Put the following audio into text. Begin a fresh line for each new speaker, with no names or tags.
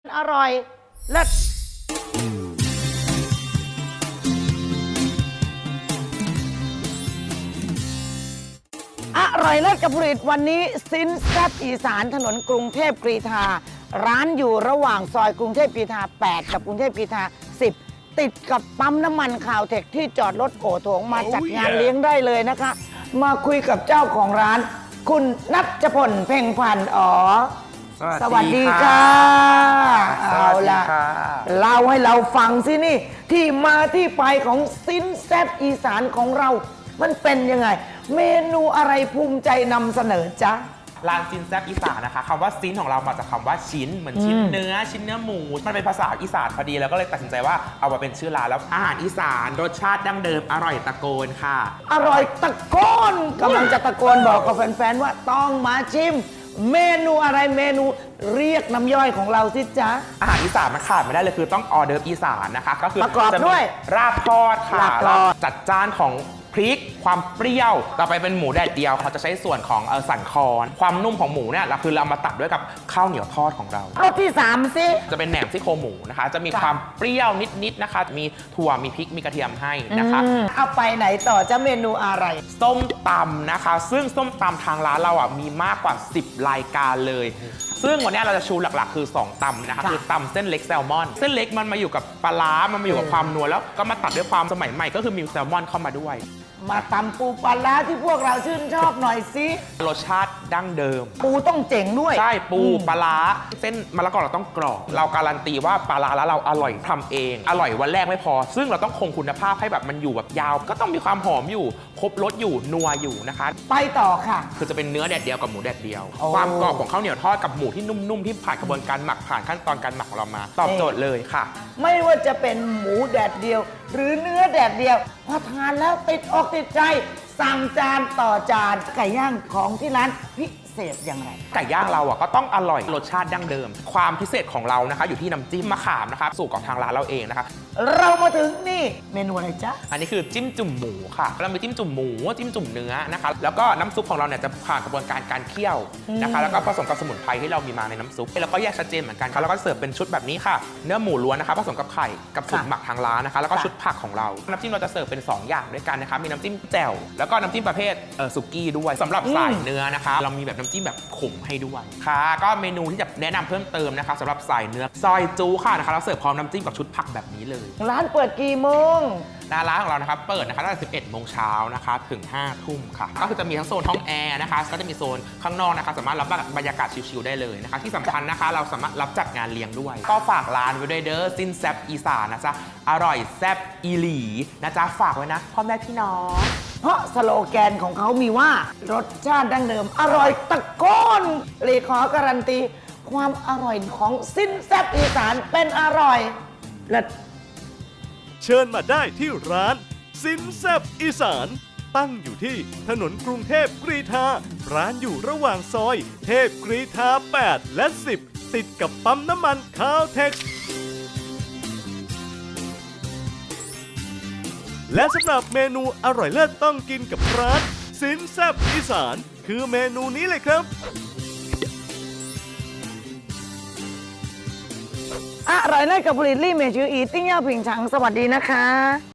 อร่อยเลิศอร่อยเลิศกับผลิตวันนี้ซิ้นแซ่บอีสานถนนกรุงเทพกรีฑาร้านอยู่ระหว่างซอยกรุงเทพกรีฑา8กับกรุงเทพกรีฑา10ติดกับปั๊มน้ำมันข่าวเทคที่จอดรถโอโถงมาจัดงานเลี้ยงได้เลยนะคะ มาคุยกับเจ้าของร้าน คุณณัชพลเพ่งพันธ์สวัสดีค่ะเอาล่ะเล่าให้เราฟังสินี่ที่มาที่ไปของซิ้นแซ่บอีสานของเรามันเป็นยังไงเมนูอะไรภูมิใจนำเสนอจ๊ะ
ร้านซินแซบอีสานนะคะคำว่าซินของเรามาจากคำว่าชิ้นเหมือนชิ้นเนื้อหมูมันเป็นภาษาอีสานพอดีแล้วก็เลยตัดสินใจว่าเอามาเป็นชื่อร้านแล้วอาหารอีสานรสชาติดั้งเดิมอร่อยตะโกนค่ะ
อร่อยตะโกนกำลังจะตะโกนบอกกับแฟนๆว่าต้องมาชิมเมนูอะไรเมนูเรียกน้ำย่อยของเราสิจ๊ะ
อาหารอีสานมันขาดไม่ได้เลยคือต้องออเดิร์ฟอีสานนะคะก็คือ
ประกอบด้วย
ราบทอดค่ะจัดจ้านของพริกความเปรี้ยวต่อไปเป็นหมูแดดเดียวเขาจะใช้ส่วนของสันคอความนุ่มของหมูเนี่ยเราคือเรามาตัดด้วยกับข้าวเหนียวทอดของเรา
รสที่3สิ
จะเป็นแหนมซี่โครงหมูนะคะจะมีความเปรี้ยวนิดๆนะคะมีถั่วมีพริกมีกระเทียมให้นะคะ
เอาไปไหนต่อจะเมนูอะไร
ส้มตำนะคะซึ่งส้มตำทางร้านเรามีมากกว่า10รายการเลยซึ่งวันนี้เราจะชูหลักๆคือ2ตำนะคะคือตำเส้นเล็กแซลมอนเส้นเล็กมันมาอยู่กับปลาร้ามันมาอยู่กับความนัวแล้วก็มาตัดด้วยความสมัยใหม่ก็คือมีแซลมอนเข้ามาด้วย
มาตำปูปลาร้าที่พวกเราชื่นชอบหน่อยสิ
รสชาติดั้งเดิม
ปูต้องเจ๋งด้วย
ใช่ปูปลาร้าเส้นมะละกอเราต้องกรอบเราการันตีว่าปลาร้าแล้วเราอร่อยทำเองอร่อยวันแรกไม่พอซึ่งเราต้องคงคุณภาพให้แบบมันอยู่แบบยาวก็ต้องมีความหอมอยู่ครบรสอยู่นัวอยู่นะคะ
ไปต่อค่ะ
คือจะเป็นเนื้อแดดเดียวกับหมูแดดเดียวความกรอบของข้าวเหนียวทอดกับหมูที่นุ่มๆที่ผ่านกระบวนการหมักผ่านขั้นตอนการหมักของเรามาตอบโจทย์เลยค่ะ
ไม่ว่าจะเป็นหมูแดดเดียวหรือเนื้อแดดเดียวพอทานแล้วติดอกติดใจสั่งจานต่อจานไก่ย่างของที่ร้านพิเศษอย่างไร
ไก่ย่างเราก็ต้องอร่อยรสชาติดั้งเดิมความพิเศษของเรานะคะอยู่ที่น้ำจิ้มมะขามนะคะสูตรของทางร้านเราเองนะคะ
เรามาถึงนี่เมนูอะไรจ๊ะ
อันนี้คือจิ้มจุ่มหมูค่ะเรามีจิ้มจุ่มหมูจิ้มจุ่มเนื้อนะคะแล้วก็น้ำซุปของเราเนี่ยจะผ่านกระบวนการเคี่ยวนะคะแล้วก็ผสมกับสมุนไพรที่เรามีมาในน้ำซุปแล้วก็แยกชัดเจนเหมือนกันค่ะแล้วก็เสิร์ฟเป็นชุดแบบนี้ค่ะเนื้อหมูล้วนนะคะผสมกับไข่กับสูตรหมักทางร้านนะคะแล้วก็ชุดผักของเราน้ำจิ้มเราจะเสิร์ฟเป็น2อย่างด้วยกันนะคะมีน้ำจิ้มแจ่วแล้วก็น้ำจิ้มประเภทสุกี้ด้วยสำหรับสายเนื้อนะคะเรามีแบบน้ำจิ้มแบบขมให้ด้วยค่ะก็เมนูที่จะแนะนำเพิ่มเติมนะคะสำหรับสายเนื้อซอยจูค่ะนะคะเราเสิร์ฟพร้อมน้ำจิ้มกับชุดผักแบบนี้เลย
ร้านเปิดกี่โมง
ร้านของเรานะครับเปิดนะคะตั้งแต่11 โมงเช้านะคะถึง 5 ทุ่มค่ะก็คือจะมีทั้งโซนห้องแอร์นะคะก็จะมีโซนข้างนอกนะคะสามารถรับบรรยากาศชิลๆได้เลยนะคะที่สำคัญนะคะเราสามารถรับจัดงานเลี้ยงด้วยก็ฝากร้านไว้ด้วยเด้อซินแซบอีสานนะจ๊ะอร่อยแซบอีหลีนะจ๊ะฝากไว้นะพ่อแม่พี่น้อง
เพราะสโลแกนของเขามีว่ารสชาติดั้งเดิมอร่อยตะโกนเลยขอการันตีความอร่อยของซินแซบอีสานเป็นอร่อยและ
เชิญมาได้ที่ร้านซินแซบอีสานตั้งอยู่ที่ถนนกรุงเทพกรีฑาร้านอยู่ระหว่างซอยเทพกรีฑา8และ10ติดกับปั๊มน้ำมันคาวเทคและสำหรับเมนูอร่อยเลิศต้องกินกับร้านซินแซบอีสานคือเมนูนี้เลยครับ
อร่อยเลิศกับผลิตลี่เมจืออีติ้งเย่าผิงฉังสวัสดีนะคะ